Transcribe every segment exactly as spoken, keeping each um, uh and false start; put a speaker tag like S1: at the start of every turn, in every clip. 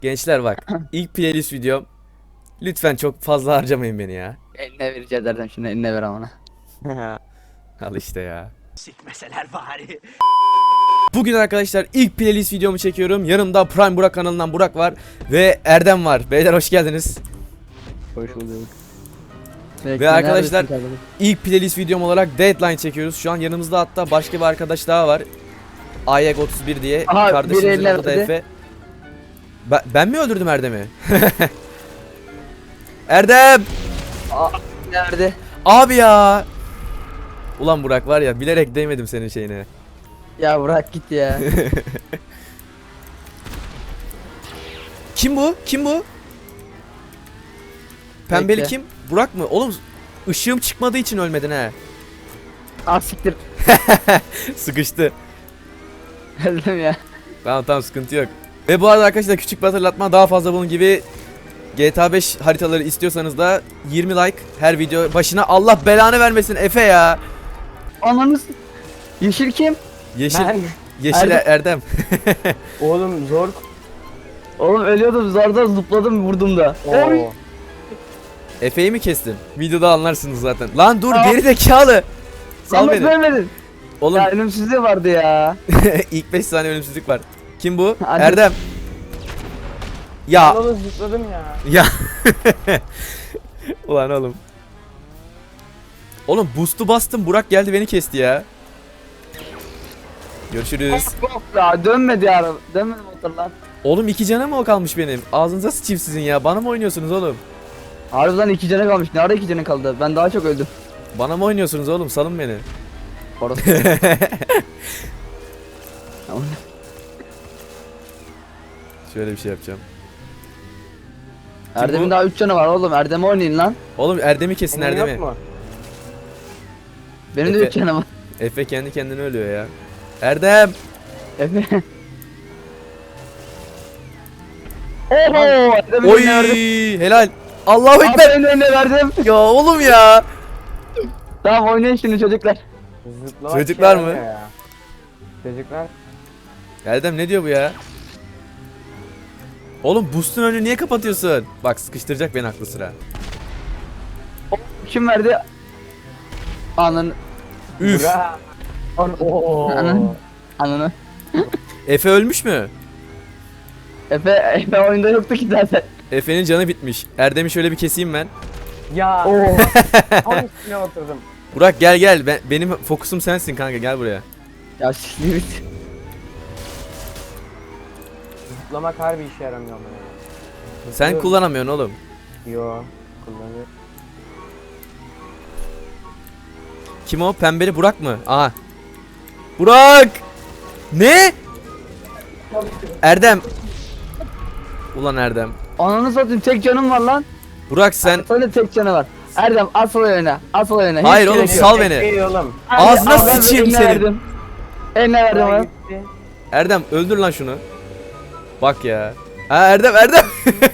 S1: Gençler bak, ilk playlist videom. Lütfen çok fazla harcamayın beni ya.
S2: Eline vereceğiz Erdem, şimdi eline ver amına.
S1: Al işte ya.
S3: Sikmeseler bari.
S1: Bugün arkadaşlar ilk playlist videomu çekiyorum. Yanımda Prime Burak kanalından Burak var ve Erdem var. Beyler hoş geldiniz.
S2: Hoş bulduk.
S1: Ve arkadaşlar ilk playlist videom olarak Deadline çekiyoruz. Şu an yanımızda hatta başka bir arkadaş daha var. Ayek otuz bir diye.
S2: Aha,
S1: Kardeşimizin
S2: biri eline
S1: adı da
S2: verdi.
S1: Efe. Ben, ben mi öldürdüm Erdem'i? Erdem!
S2: Nerede?
S1: Abi ya! Ulan Burak var ya, bilerek değmedim senin şeyine.
S2: Ya bırak git ya.
S1: Kim bu? Kim bu? Pembeli
S2: Bekle.
S1: kim? Burak mı? Oğlum ışığım çıkmadığı için ölmedin he.
S2: Ah siktir.
S1: Sıkıştı.
S2: Erdem ya.
S1: Tamam tamam, sıkıntı yok. Ve bu arada arkadaşlar küçük bir hatırlatma, daha fazla bunun gibi G T A beş haritaları istiyorsanız da yirmi like her video başına. Allah belanı vermesin Efe ya.
S2: Ananız. Yeşil kim?
S1: Yeşil
S3: Ben.
S1: Yeşil
S2: Erdem.
S1: Erdem.
S3: Oğlum zor.
S2: Oğlum ölüyordum, zarda zıpladım vurdum da. Oy.
S3: Oo.
S1: Efe'yi mi kestin? Videoda anlarsınız zaten. Lan dur,
S2: Aa.
S1: geri zekalı. Sal
S2: Yalnız
S1: beni.
S2: vermedin.
S1: Oğlum
S2: Ya ölümsüzlüğü vardı ya.
S1: ilk beş saniye ölümsüzlük var. Kim bu?
S2: Hadi.
S1: Erdem. Ya
S3: Oğlum zıpladım ya.
S1: ya. Ulan oğlum. Oğlum boost'u bastım, Burak geldi beni kesti ya. Görüşürüz.
S2: Yok ya, dönmedi ya. Dönmedi motor lan.
S1: Oğlum iki canım mı o kalmış benim? Ağzınıza sıçayım sizin ya. Bana mı oynuyorsunuz oğlum?
S2: Harbiden iki canı kalmış. Nerede iki canı kaldı? Ben daha çok öldüm.
S1: Bana mı oynuyorsunuz oğlum? Salın beni.
S2: Orası. Tamam.
S1: Şöyle bir şey yapacağım. bu?
S2: Erdem'in daha üç canı var oğlum. Erdem oynayın lan.
S1: Oğlum Erdem'i kesin,
S3: Senin yok
S1: Erdem'i.
S3: mu?
S2: Benim de
S1: Efe.
S2: üç canım var.
S1: Efe kendi kendine ölüyor ya. Erdem.
S2: Efe. Oho! Erdem'in
S1: Oy
S2: eline verdim.
S1: helal. Allahu ekber.
S2: Erdem'in eline verdim.
S1: Ya oğlum ya.
S2: Tamam oynayın şimdi çocuklar.
S3: Zıplamak
S1: Çocuklar
S3: şey
S1: mı?
S3: yaramıyor ya. Çocuklar.
S1: Erdem ne diyor bu ya? Oğlum boost'un önünü niye kapatıyorsun? Bak sıkıştıracak beni aklı sıra.
S2: Kim verdi? Ananı.
S1: Üf.
S3: Bura. An Oo.
S2: Ananı. Ananı.
S1: Efe ölmüş mü?
S2: Efe, Efe oyunda yoktu ki zaten.
S1: Efe'nin canı bitmiş. Erdem'i şöyle bir keseyim ben.
S3: Ya.
S2: Oo.
S3: Tam üstüne oturdum.
S1: Burak gel gel. Ben, benim fokusum sensin kanka, gel buraya.
S2: Ya siktir git.
S3: Zıplamak harbi işe yaramıyor ama ya.
S1: Sen
S3: Zıplıyorum.
S1: kullanamıyorsun oğlum.
S3: Yo. Kullanıyor.
S1: Kim o? Pembeli Burak mı? Aha. Burak! Ne? Erdem. Ulan Erdem.
S2: Ananı satayım, tek canım var lan.
S1: Burak sen...
S2: Sana da tek canı var. Erdem asıl oyna. Asıl oyna. Hiç
S1: Hayır oğlum,
S2: gerek yok.
S1: sal beni.
S3: Ey oğlum.
S2: Hadi,
S1: Ağzına
S2: al, ben
S1: sıçayım
S2: eline
S1: senin.
S2: verdim. Eline verdim
S3: Bura
S2: oğlum.
S3: gitti.
S1: Erdem öldür lan şunu. Bak ya. Ha Erdem Erdem.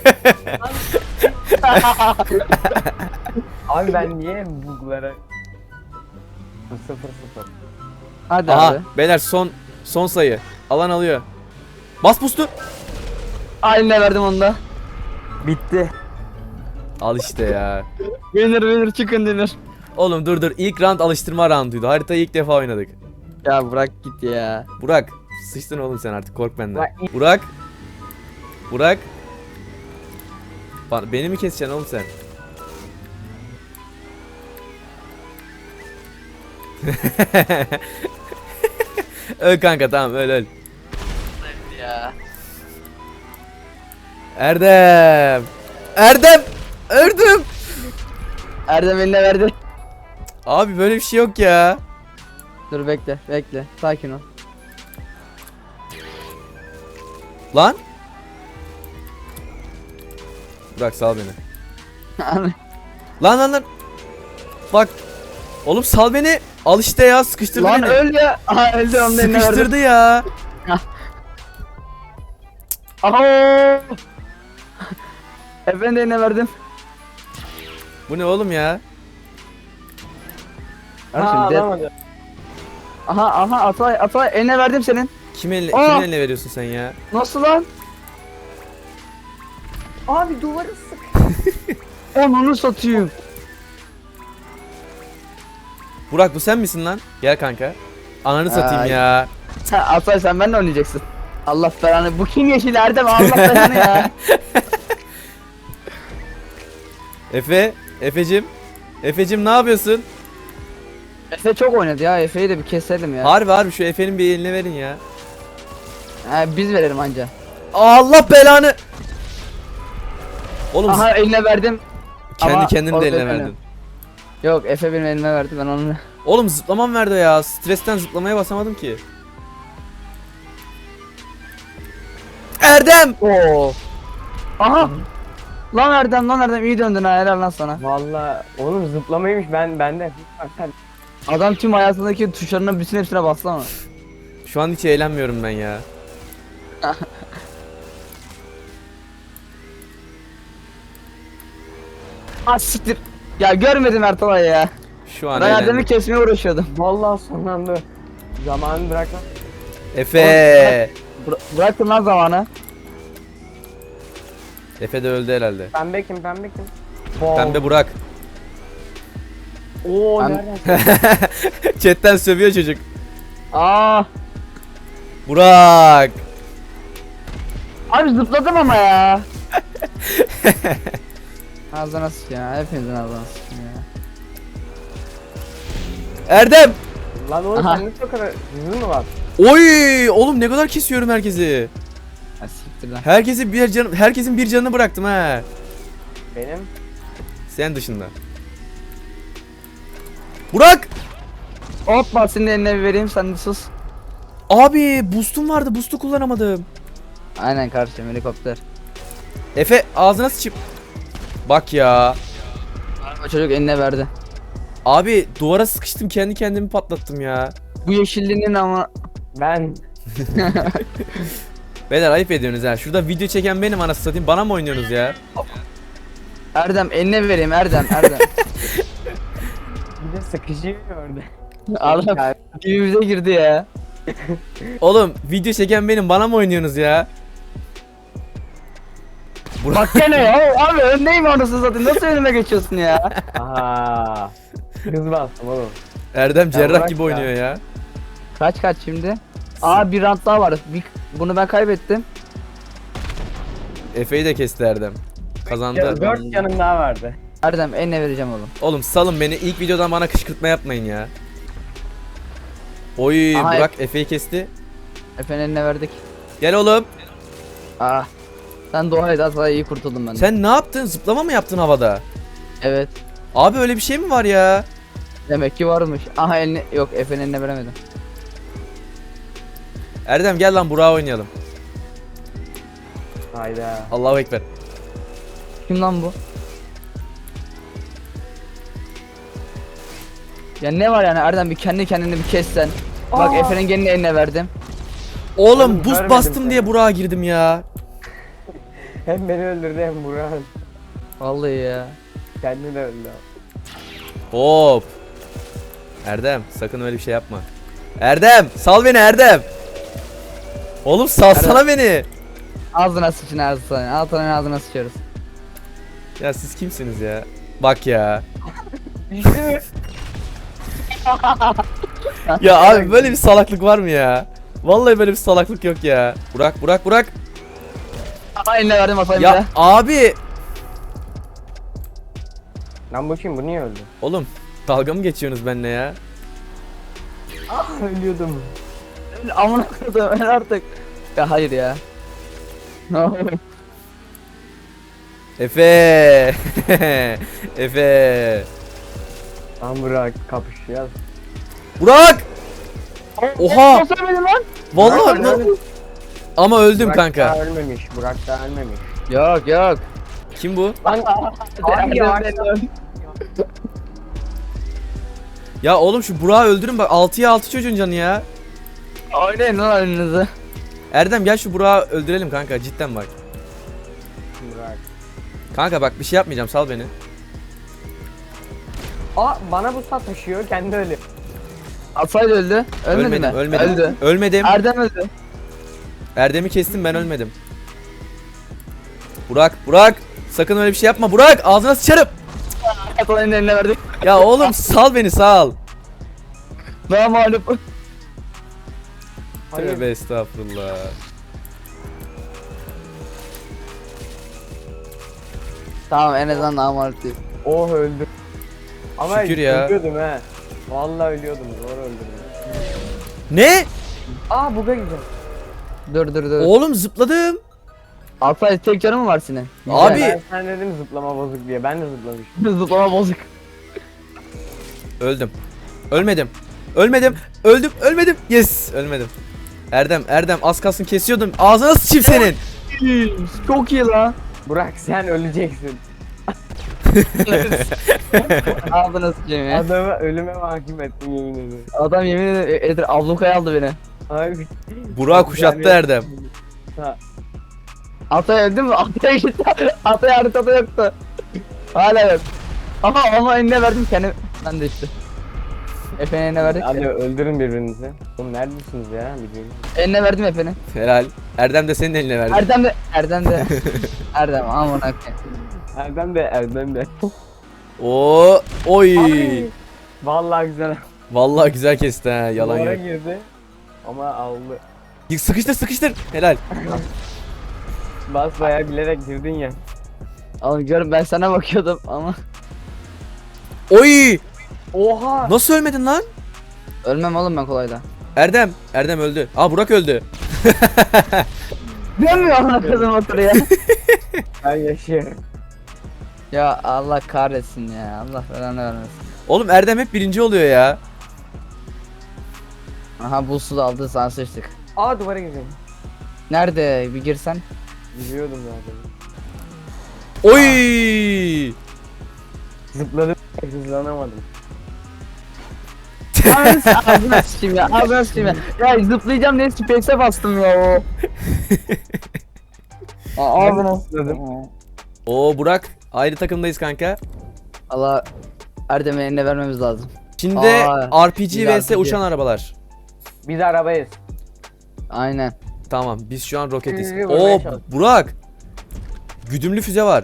S3: Abi ben niye buglara... Sıfır sıfır.
S2: Hadi
S1: Aha
S2: abi.
S1: beyler, son son sayı. Alan alıyor. Bas boost'u.
S2: Eline verdim onu da.
S3: Bitti.
S1: Al işte ya.
S2: Winner winner chicken dinner.
S1: Oğlum dur dur, ilk round alıştırma rounduydu. Haritayı ilk defa oynadık.
S2: Ya bırak git ya.
S1: Burak sıçtın oğlum sen, artık kork benden.
S3: Burak-
S1: Burak. Burak. Ba- Beni mi keseceksin oğlum sen? Öl kanka, tamam öl öl.
S2: Ya.
S1: Erdem. Erdem. Erdem.
S2: Erdem eline verdi.
S1: Abi böyle bir şey yok ya.
S2: Dur bekle bekle. Sakin ol.
S1: Lan. Burak sal beni. Lan lan lan. Bak. Oğlum sal beni. Al işte ya, sıkıştırdı
S2: Lan
S1: beni.
S2: öl ya. Aha öldü, onu da eline verdim.
S1: Sıkıştırdı ya.
S2: Aha. Efendim de eline verdim.
S1: Bu ne oğlum ya?
S2: Ha,
S3: Ha
S2: şimdi de-
S3: alamadı.
S2: Aha aha Atay Atay eline verdim senin.
S1: Kim eline,
S2: Aa!
S1: kimin eline veriyorsun sen ya?
S2: Nasıl lan?
S3: Abi duvarı sık.
S2: Onu satayım.
S1: Burak bu sen misin lan? Gel kanka. Ananı satayım
S2: Ay.
S1: ya.
S2: Sen Asay sen benimle oynayacaksın. Allah belanı. Bu kim yeşil Erdem? Allah belanı ya.
S1: Efe, Efecim. Efecim ne yapıyorsun?
S2: Efe çok oynadı ya. Efe'yi de bir keselim ya.
S1: Harbi harbi şu Efe'nin bir eline verin ya.
S2: Ha, biz verelim anca.
S1: Allah belanı. Oğlum
S2: Aha eline verdim.
S1: kendi
S2: ama
S1: kendini de
S2: orada
S1: eline
S2: benim.
S1: verdin.
S2: Yok Efe benim elime verdi ben onu.
S1: Oğlum zıplamam verdi ya. Stresten zıplamaya basamadım ki. Erdem!
S2: Oo. Aha. Lan Erdem lan Erdem iyi döndün ha helal lan sana.
S3: Valla oğlum zıplamaymış ben bende. Sen
S2: Adam tüm hayatındaki tuşlarının bütün hepsine bastı ama.
S1: Şu an hiç eğlenmiyorum ben ya.
S2: Ah siktir. Ya görmedim Ertalay ya.
S1: Şu an
S2: Ben Erdem'i
S1: eğlendim.
S2: kesmeye uğraşıyordum.
S3: vallahi son anda zamanı bırakma.
S1: Efe!
S2: Bıra- bıraktım lan zamanı.
S1: Efe de öldü herhalde.
S3: Pembe kim pembe kim? Wow.
S1: Pembe Burak.
S3: Oo
S2: Ben-
S3: nereden?
S1: Chatten sövüyor çocuk.
S2: Aa.
S1: Burak!
S2: Abi zıpladım ama ya. Ağzına sıçayım ya. Hepinizin ağzına sıçayım ya.
S1: Erdem!
S3: Lan oğlum
S2: Aha.
S3: sende çok kadar hızlı mı var?
S1: Oy! Oğlum ne kadar kesiyorum herkesi.
S2: Ha siktir lan.
S1: Herkesi bir can herkesin bir canını bıraktım ha.
S3: Benim.
S1: Sen dışında. Burak!
S2: Hoppa senin de eline bir vereyim sen de sus.
S1: Abi boost'um vardı. Boost'u kullanamadım.
S2: Aynen kardeşim helikopter.
S1: Efe ağzına sıçıp. Bak ya.
S2: O çocuk eline verdi.
S1: Abi duvara sıkıştım kendi kendimi patlattım ya.
S2: Bu yeşilliğinin ama
S3: Ben.
S1: Beyler ayıp ediyorsunuz ha. Şurada video çeken benim anasını satayım. Bana mı oynuyorsunuz ya?
S2: Erdem eline vereyim Erdem Erdem.
S3: Bir de sıkışıyor orada.
S2: Adam dibimize girdi ya.
S1: Oğlum video çeken benim. Bana mı oynuyorsunuz ya?
S2: Bak gene ya abi öndeyim anasını satayım nasıl önüme geçiyorsun ya.
S3: Aha. Hız bastım oğlum.
S1: Erdem cerrah
S3: bırak
S1: gibi
S3: ya.
S1: oynuyor ya.
S2: Kaç kaç şimdi? Aa bir rant daha var. Bir, bunu ben kaybettim.
S1: Efe'yi de kesti Erdem. Kazandı.
S3: Dört canım daha vardı.
S2: Erdem eline vereceğim oğlum.
S1: Oğlum salın beni. İlk videodan bana kışkırtma yapmayın ya. Oy
S2: Aha,
S1: Burak Efe'yi kesti.
S2: Efendim eline verdik.
S1: Gel oğlum.
S2: Aa. Sen dua et asla iyi kurtuldum ben. de.
S1: Sen ne yaptın? Zıplama mı yaptın havada?
S2: Evet.
S1: Abi öyle bir şey mi var ya?
S2: Demek ki varmış. Aha elini yok Efe'nin eline veremedim.
S1: Erdem gel lan Burak'a oynayalım.
S3: Hayda.
S1: Allahu Ekber.
S2: Kim lan bu? Ya ne var yani Erdem bir kendi kendini bir kes sen. Bak
S3: Aa.
S2: Efe'nin gelini eline verdim.
S1: Oğlum
S3: Oğlum,
S1: buz
S3: görmedim
S1: bastım
S3: seni.
S1: diye Burak'a girdim ya.
S3: Hem beni öldürdü hem Burak.
S2: Vallahi ya.
S3: Kendini de öldü.
S1: Hop. Erdem sakın öyle bir şey yapma. Erdem sal beni Erdem. Oğlum salsana beni.
S2: Ağzına sıçın ağzına. Altına ağzına sıçıyoruz.
S1: Ya siz kimsiniz ya? Bak ya.
S3: Düştü.
S1: Ya abi böyle bir salaklık var mı ya? Vallahi böyle bir salaklık yok ya. Burak Burak Burak.
S2: Aha eline verdim atayım
S1: Ya
S2: ya.
S1: abi.
S3: Lan bu kim? Bu niye öldü?
S1: Oğlum dalga mı geçiyorsunuz benimle ya?
S3: Ah ölüyordum.
S2: Amına koydum ben artık. Ya hayır ya. Ne oluyor?
S1: Efe. Efe.
S3: Lan Burak kapışacağız.
S1: Burak. Oha.
S2: Nasıl ölmedin lan?
S1: Vallahi
S3: Burak,
S1: lan. Ama öldüm
S3: Burak
S1: kanka.
S3: daha ölmemiş. Burak daha ölmemiş.
S2: Yok yok.
S1: Kim bu?
S3: Lan abi ya.
S1: Ya oğlum şu Burak'ı öldürün bak altıya altı çocuğun canı ya.
S2: Oynayın lan önünüzü.
S1: Erdem gel şu Burak'ı öldürelim kanka cidden bak.
S3: Burak.
S1: Kanka bak bir şey yapmayacağım sal beni.
S3: Aa bana bu sat taşıyor kendi ölüyor.
S2: Asay öldü. Ölmedi
S1: ölmedim
S2: mi?
S1: ölmedim.
S2: Öldü.
S1: Ölmedim.
S2: Erdem öldü.
S1: Erdem'i kestim ben ölmedim. Burak Burak. Sakın öyle bir şey yapma Burak, ağzına sıçarım.
S2: Atanın eline verdik.
S1: Ya oğlum sal beni, sal.
S2: Daha mağlup.
S3: Hayır.
S1: Tövbe estağfurullah.
S2: Tamam en azından daha mağlup değil.
S3: Oh öldüm. Ama
S1: Şükür ya.
S3: ölüyordum he. Vallahi ölüyordum. Zor öldüm.
S1: Ne?
S3: Aa buga gideceğim.
S2: Dur dur dur.
S1: Oğlum zıpladım.
S2: Altay tek canı mı var senin?
S1: Abi.
S3: Ben sen dedim zıplama bozuk diye. Ben de zıplamışım.
S2: Zıplama bozuk.
S1: Öldüm. Ölmedim. Ölmedim. Öldüm. Ölmedim. Yes. Ölmedim. Erdem, Erdem az kalsın kesiyordum. Ağzına sıçayım senin.
S2: Çok iyi lan.
S3: Burak sen öleceksin.
S2: Ağzına sıçayım ya.
S3: Adamı ölüme mahkum ettin yemin ederim.
S2: Adam yemin ederim Edir ablukaya aldı beni.
S3: Abi.
S1: Burak kuşattı Erdem.
S3: Ha.
S2: Altay öldü mü? Altay gitti. Altay haritada yoktu. Hala yok. Ama ama eline verdim kendim. Ben de işte. Efe'nin eline verdik.
S3: Hadi öldürün birbirinizi. Oğlum neredesiniz ya? Bilmiyorum.
S2: Eline verdim Efe'nin.
S1: Helal. Erdem de senin eline verdi.
S2: Erdem de Erdem de Erdem aman akı.
S3: Erdem de Erdem de.
S1: Oo, oy.
S3: Ay, vallahi güzel.
S1: Vallahi güzel kesti ha, yalan
S3: Duvara
S1: yok.
S3: girdi. Ama aldı.
S1: Sıkıştır sıkıştır. Helal.
S3: Bas bayağı bilerek girdin ya.
S2: Oğlum görün ben sana bakıyordum ama
S1: Oy.
S3: Oha!
S1: Nasıl ölmedin lan?
S2: ölmem oğlum ben kolayda.
S1: Erdem. Erdem öldü. Aa Burak öldü.
S2: Dönmüyor amına kızım otur ya.
S3: Ben yaşıyorum.
S2: Ya Allah kahretsin ya. Allah belanı vermesin.
S1: Oğlum Erdem hep birinci oluyor ya.
S2: Aha bu su da aldı sana sıçtık.
S3: Aa duvara gireceğim.
S2: Nerede bir girsen?
S3: Giriyordum zaten.
S1: Oy.
S3: Zıpladım. Hızlanamadım.
S2: Ağzına ağzına sıçayım ya. Ağzına sıçayım ya. Ya zıplayacağım diye space'e bastım ya o. Aa, Ağzına
S3: zıpladım.
S1: Oo Burak. Ayrı takımdayız kanka.
S2: Allah Erdem'e eline vermemiz lazım.
S1: Şimdi
S2: Aa,
S1: R P G
S2: güzel,
S1: vs
S2: güzel.
S1: uçan arabalar.
S3: Biz arabayız.
S2: Aynen.
S1: Tamam biz şu an roketiz.
S3: Ee, vurmaya
S1: Oo
S3: çalış.
S1: Burak. Güdümlü füze var.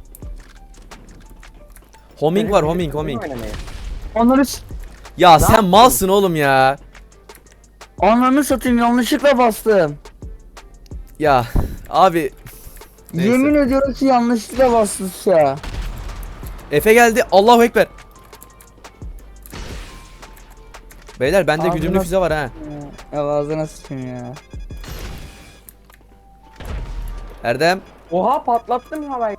S1: Homing var, homing, homing.
S2: Onları s-
S1: Ya sen malsın oğlum ya.
S2: Ananı satayım yanlışlıkla bastım.
S1: Ya abi. Neyse.
S2: Yemin ediyorum ki yanlışlıkla bastım ya.
S1: Efe geldi. Allahu ekber. Beyler bende
S2: Ağzına-
S1: güdümlü füze var ha.
S2: Ya ağzına sıçayım ya.
S1: Erdem.
S3: Oha patlattım havayı.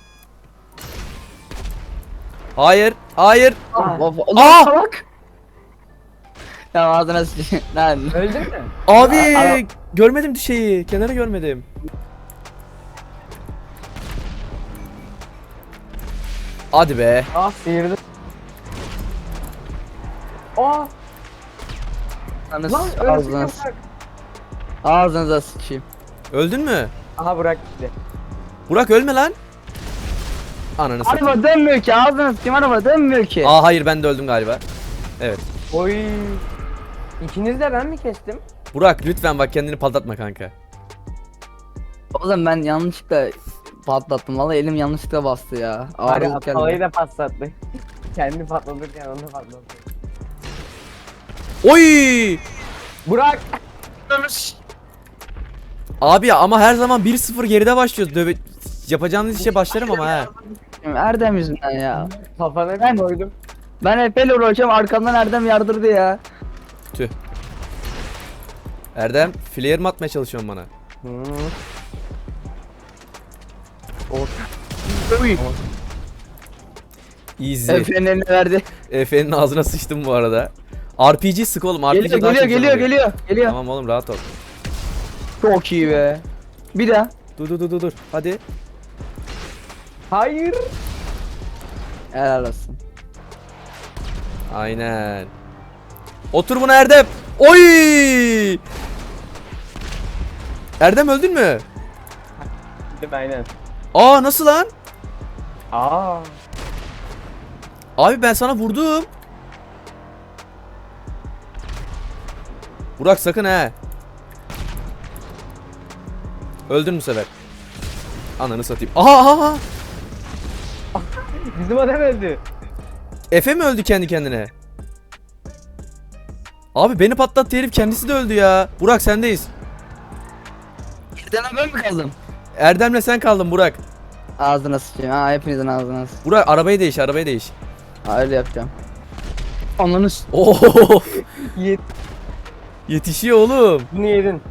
S1: Hayır. Hayır.
S3: Ah.
S2: Of, of,
S1: Aa!
S2: salak. Ya ağzına sıçayım. Lan.
S3: Öldün mü?
S1: Abi
S2: Ara-
S1: görmedim şeyi. Kenarı görmedim. Hadi be.
S3: Ah sıyırdım. Aa
S2: Ağzına
S3: lan
S2: s-
S3: öyle
S2: ağzına s-
S3: sıkıyor.
S2: Ağzınıza sıçayım.
S1: Öldün mü?
S3: Aha Burak gitti.
S1: Burak ölme lan. Ananı satayım.
S2: Araba dönmüyor ki ağzına sıçayım araba dönmüyor ki.
S1: Aa hayır ben de öldüm galiba. Evet.
S3: Oy. İkiniz de ben mi kestim?
S1: Burak lütfen bak kendini patlatma kanka.
S2: Oğlum ben yanlışlıkla patlattım vallahi elim yanlışlıkla bastı ya.
S3: Bari
S2: Ağrılık geldi.
S3: havayı da patlattı. Kendi patlatırken onu da patlattı.
S1: Oy!
S3: Burak!
S1: Abi ya ama her zaman bir sıfır geride başlıyoruz. Döve... Yapacağınız işe başlarım ama ha.
S2: Erdem yüzünden ya.
S3: Kafana
S2: Ben-
S3: bir koydum.
S2: Ben Efe'yle uğraşıyorum arkamdan Erdem yardırdı ya.
S1: Tüh. Erdem flare mi atmaya çalışıyorsun bana?
S3: Hmm.
S2: Uy.
S1: Easy.
S2: Efe'nin eline verdi.
S1: Efe'nin ağzına sıçtım bu arada. R P G sık oğlum. R P G
S2: Geliyor
S1: daha
S2: geliyor
S1: çok
S2: geliyor
S1: oluyor.
S2: geliyor. Geliyor.
S1: Tamam oğlum rahat ol.
S2: Çok iyi be. Bir daha.
S1: Dur dur dur dur dur. Hadi.
S3: Hayır.
S2: Helal olsun.
S1: Aynen. Otur buna Erdem. Oy! Erdem öldün mü?
S3: Gittim aynen.
S1: Aa nasıl lan?
S3: Aa.
S1: Abi ben sana vurdum. Burak sakın he. Öldün bu sefer. Ananı satayım. Aha aha aha.
S3: Bizim adam öldü.
S1: Efe mi öldü kendi kendine? Abi beni patlattı herif, kendisi de öldü ya. Burak sendeyiz.
S2: Birden ben mi kaldım?
S1: Erdem'le sen kaldın Burak.
S2: Ağzına sıçayım. Ha hepinizin ağzına sıçayım.
S1: Burak arabayı değiş, arabayı değiş.
S2: Ha öyle yapacağım. Ananı s-
S1: Oo.
S3: Yet.
S1: Yetişiyor oğlum.
S3: Bunu yedin.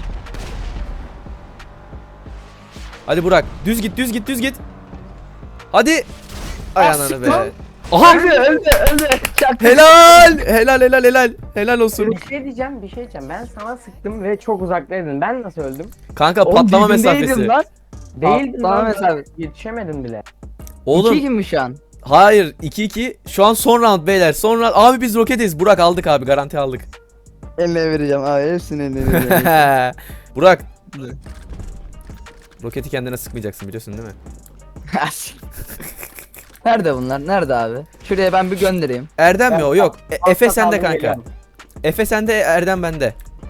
S1: Hadi Burak, düz git, düz git, düz git. Hadi. Ay
S2: Ah,
S1: ananı
S2: sık
S1: be.
S2: lan.
S1: Aha.
S2: Öldü öldü öldü. Çak.
S1: Helal. Helal helal helal. Helal olsun.
S3: Bir şey diyeceğim, bir şey diyeceğim. Ben sana sıktım ve çok uzaktaydın. Ben nasıl öldüm?
S1: Kanka
S2: Oğlum,
S1: patlama
S2: dibindeydim
S1: mesafesi.
S2: Lan.
S3: Değildin
S2: Patlama
S3: lan.
S2: mesafesi.
S3: Yetişemedin bile.
S1: Oğlum
S2: İki kim şu an?
S1: hayır, iki iki. Şu an son round beyler. Son round. Abi biz roketiz. Burak aldık abi, garanti aldık.
S2: Eline vereceğim abi hepsini eline vereceğim.
S1: Burak. Roketi kendine sıkmayacaksın, biliyorsun değil mi?
S2: Nerede bunlar? Nerede abi? Şuraya ben bir göndereyim.
S1: Erdem mi
S3: Ben
S1: o? Yok. E- Efe
S3: Altta
S1: sende
S3: kaldım,
S1: kanka.
S3: geliyorum.
S1: Efe sende, Erdem bende.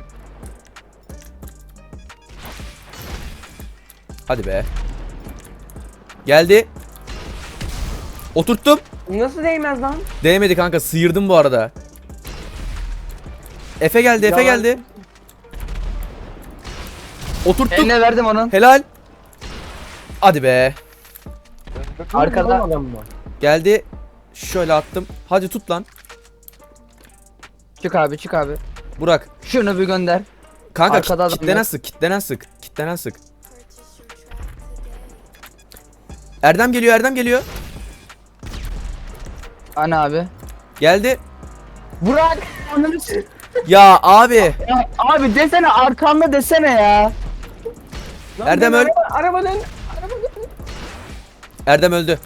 S1: Hadi be. Geldi. Oturttum.
S3: Nasıl değmez lan?
S1: Değmedi kanka, sıyırdım bu arada. Efe geldi, Efe
S3: Yalan.
S1: geldi. Oturttum.
S2: Eline verdim onun.
S1: Helal. Hadi be.
S2: Arkada.
S3: Adam mı?
S1: Geldi. Şöyle attım. Hadi tut lan.
S2: Çık abi çık abi.
S1: Burak.
S2: Şunu bir gönder.
S1: Kanka
S2: Arkada adam
S1: kit, kitlenen
S2: yok.
S1: sık, kitlenen sık. Kitlenen sık. Erdem geliyor, Erdem geliyor.
S2: Ana abi.
S1: Geldi.
S3: Burak!
S1: Ya abi.
S2: Ya abi desene arkamda desene ya.
S3: Lan
S1: Erdem
S3: dön,
S1: öl-
S3: Araba, araba dön. Araba dön.
S1: Erdem öldü.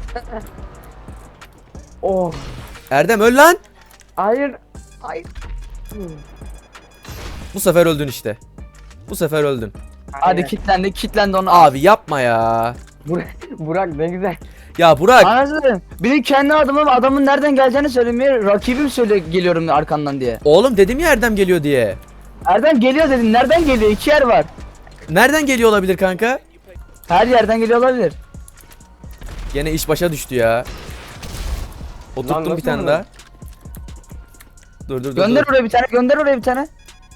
S3: Oh.
S1: Erdem öl lan.
S3: Hayır. Hayır.
S1: Bu sefer öldün işte. Bu sefer öldün.
S2: Hadi kitlendi kitlendi onu.
S1: Abi yapma ya.
S3: Burak, Burak ne güzel.
S1: Ya Burak.
S2: Anasını. Benim kendi adımım adamın nereden geleceğini söylemiyor. Rakibim söyle geliyorum arkandan diye.
S1: Oğlum dedim ya Erdem geliyor diye.
S2: Erdem geliyor dedin. Nereden geliyor? İki yer var.
S1: Nereden geliyor olabilir kanka?
S2: Her yerden geliyor olabilir.
S1: Gene iş başa düştü ya.
S3: Lan
S1: Oturttum
S3: nasıl
S1: bir tane
S3: olur?
S1: daha. Dur dur dur.
S2: Gönder
S1: dur.
S2: oraya bir tane. Gönder oraya bir tane.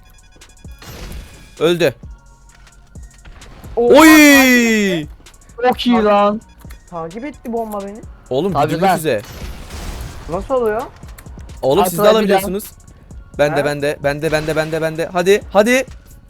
S1: Öldü.
S3: Oh,
S1: Oy!
S2: Çok iyi lan.
S3: Takip etti bomba beni.
S1: Oğlum
S2: Abi
S1: güdümlü
S2: ben-
S1: füze.
S3: Nasıl oluyor?
S1: Oğlum siz de
S2: Atla bir
S1: alabiliyorsunuz. Ben de
S3: Ha?
S1: ben de ben de ben de ben de ben de. Hadi hadi.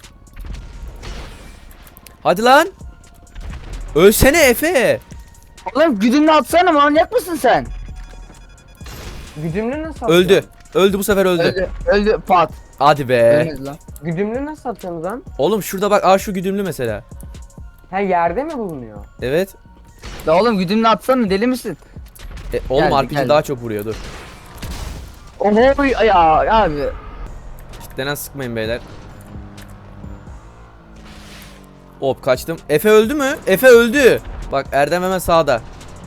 S1: Hadi lan. Ölsene Efe.
S2: Oğlum güdümlü atsana manyak mısın sen?
S3: Güdümlü nasıl atıyor?
S1: Öldü. Öldü bu sefer öldü.
S2: Öldü. Öldü. Pat.
S1: Hadi be.
S2: Ölmedi lan.
S3: Güdümlü nasıl atıyorsunuz lan?
S1: Oğlum şurada bak, aa şu güdümlü mesela.
S3: Ha yerde mi bulunuyor?
S1: Evet.
S2: Ya oğlum güdümlü atsana deli misin?
S1: E, oğlum
S2: Geldi,
S1: R P G
S2: geldi.
S1: daha çok vuruyor, dur.
S2: Oho ya abi.
S1: Kitlenen sıkmayın beyler. Hop kaçtım. Efe öldü mü? Efe öldü. Bak Erdem hemen sağda.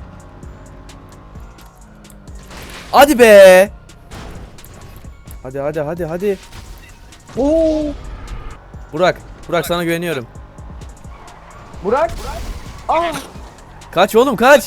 S1: Hadi be. Hadi hadi hadi hadi.
S3: Oo!
S1: Burak. Burak sana güveniyorum.
S3: Burak! Aa!
S1: Kaç oğlum kaç.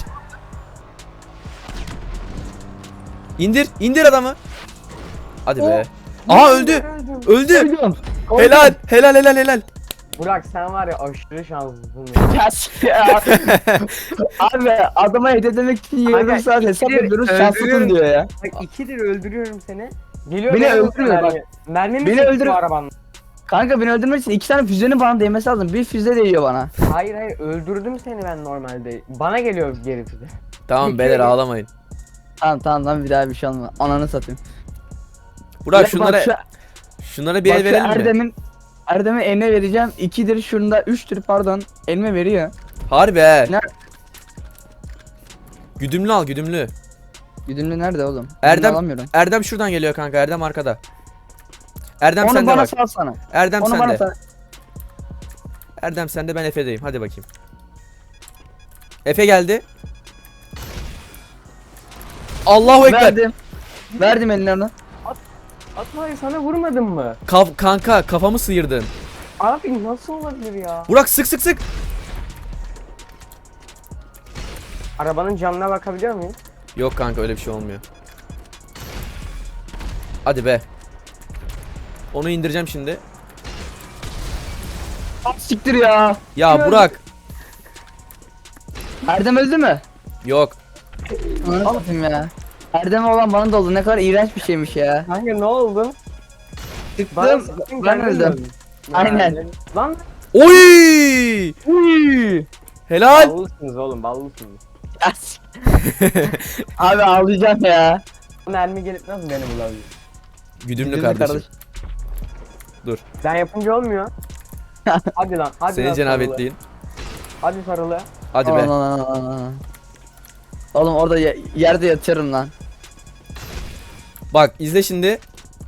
S1: İndir. indir adamı. Hadi be. Aha öldü.
S3: Öldüm.
S1: Öldü.
S2: Öldüm.
S1: Helal. Helal helal helal.
S3: Burak sen var ya aşırı şanslısın ya.
S2: Ya, ya. Abi adama hediye demek için yarım
S3: Kanka,
S2: saat hesap
S3: ikidir
S2: ediyoruz
S3: öldürüyorum.
S2: şanslısın diyor ya.
S3: Bak ikidir öldürüyorum seni. Geliyor
S2: Beni
S3: beni
S2: öldürüyor bak.
S3: Mermi mi
S2: Beni
S3: çekti
S2: öldürüyor.
S3: bu arabanın?
S2: Kanka beni öldürmek için iki tane füzenin bana değmesi lazım. Bir füze değiyor bana.
S3: Hayır hayır öldürdüm seni ben normalde. Bana geliyor geri füze.
S1: Tamam beyler ağlamayın.
S2: Tamam tamam tamam bir daha bir şey olma. Ananı satayım.
S1: Burak
S2: Bak,
S1: şunlara
S2: şu-
S1: şunlara bir
S2: bak
S1: el
S2: şu
S1: verelim mi?
S2: Erdem'in Erdem'e eline vereceğim. İkidir şunda üçtür pardon. Elime veriyor.
S1: Harbi he.
S2: Ne-
S1: Güdümlü al, güdümlü.
S2: Güdümlü nerede oğlum?
S1: Erdem-
S2: Güdümlü alamıyorum.
S1: Erdem şuradan geliyor kanka. Erdem arkada. Erdem
S2: Onu
S1: sende
S2: bana
S1: bak.
S2: salsana.
S1: Erdem
S2: Onu bana
S1: sende.
S2: sal.
S1: Erdem sende, ben Efe'deyim. Hadi bakayım. Efe geldi. Allahu ekber.
S2: Verdim. Verdim eline onu.
S3: Atma sana vurmadım mı?
S1: Kaf- kanka kafamı sıyırdın.
S3: Abi nasıl olabilir ya?
S1: Burak sık sık sık.
S3: Arabanın camına bakabiliyor muyum?
S1: Yok kanka öyle bir şey olmuyor. Hadi be. Onu indireceğim şimdi.
S2: Siktir ya.
S1: Ya Burak.
S2: Erdem öldü mü?
S1: Yok.
S2: Anlatayım ya. Erdem olan bana da oldu. Ne kadar iğrenç bir şeymiş ya.
S3: Kanka ne oldu?
S2: Çıktım.
S3: sıktın,
S2: Ben
S3: kendin
S2: öldüm.
S3: öldün.
S2: Aynen.
S3: Yani- Lan
S1: Oy!
S2: Uy.
S1: Helal.
S3: ballısınız oğlum ballısınız.
S2: Abi ağlayacağım ya.
S3: Mermi gelip nasıl beni bulabilir?
S1: Güdümlü
S2: Güdümlü
S1: kardeşim.
S2: kardeş.
S1: Dur.
S3: Ben yapınca olmuyor. Hadi lan hadi
S1: Senin
S3: lan
S1: cenabetliğin.
S3: sarılı. Hadi sarılı.
S1: Hadi be.
S2: Aman, aman, aman, aman. Oğlum orada ye- yerde yatıyorum lan.
S1: Bak izle şimdi.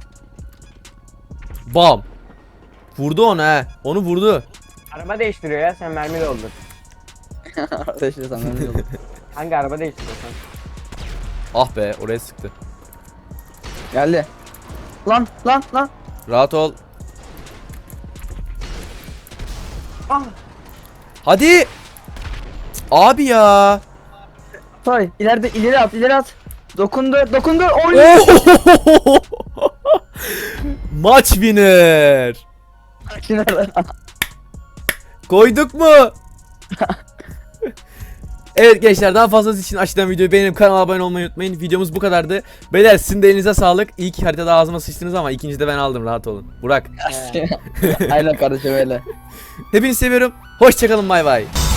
S1: Bam. Vurdu onu he. Onu vurdu.
S3: Araba değiştiriyor ya sen mermi doldur.
S2: Arkadaşlar sana öyle oldu.
S3: Hangi araba değiştiriyorsun?
S1: Ah be oraya sıktı.
S2: Geldi. Lan lan lan.
S1: Rahat ol.
S3: Ah!
S1: Hadi. Abi ya.
S2: Tay ileride ileri at ileri at. Dokundu dokundu. Oy.
S1: Oh! Maç winner. Koyduk mu? Evet gençler daha fazlası için aşağıdan videoyu beğenip kanala abone olmayı unutmayın. Videomuz bu kadardı. Beyler sizin de elinize sağlık. İlk haritada ağzıma sıçtınız ama ikinci de ben aldım, rahat olun. Burak.
S2: Aynen kardeşim öyle.
S1: Hepinizi seviyorum. Hoşçakalın, bay bay.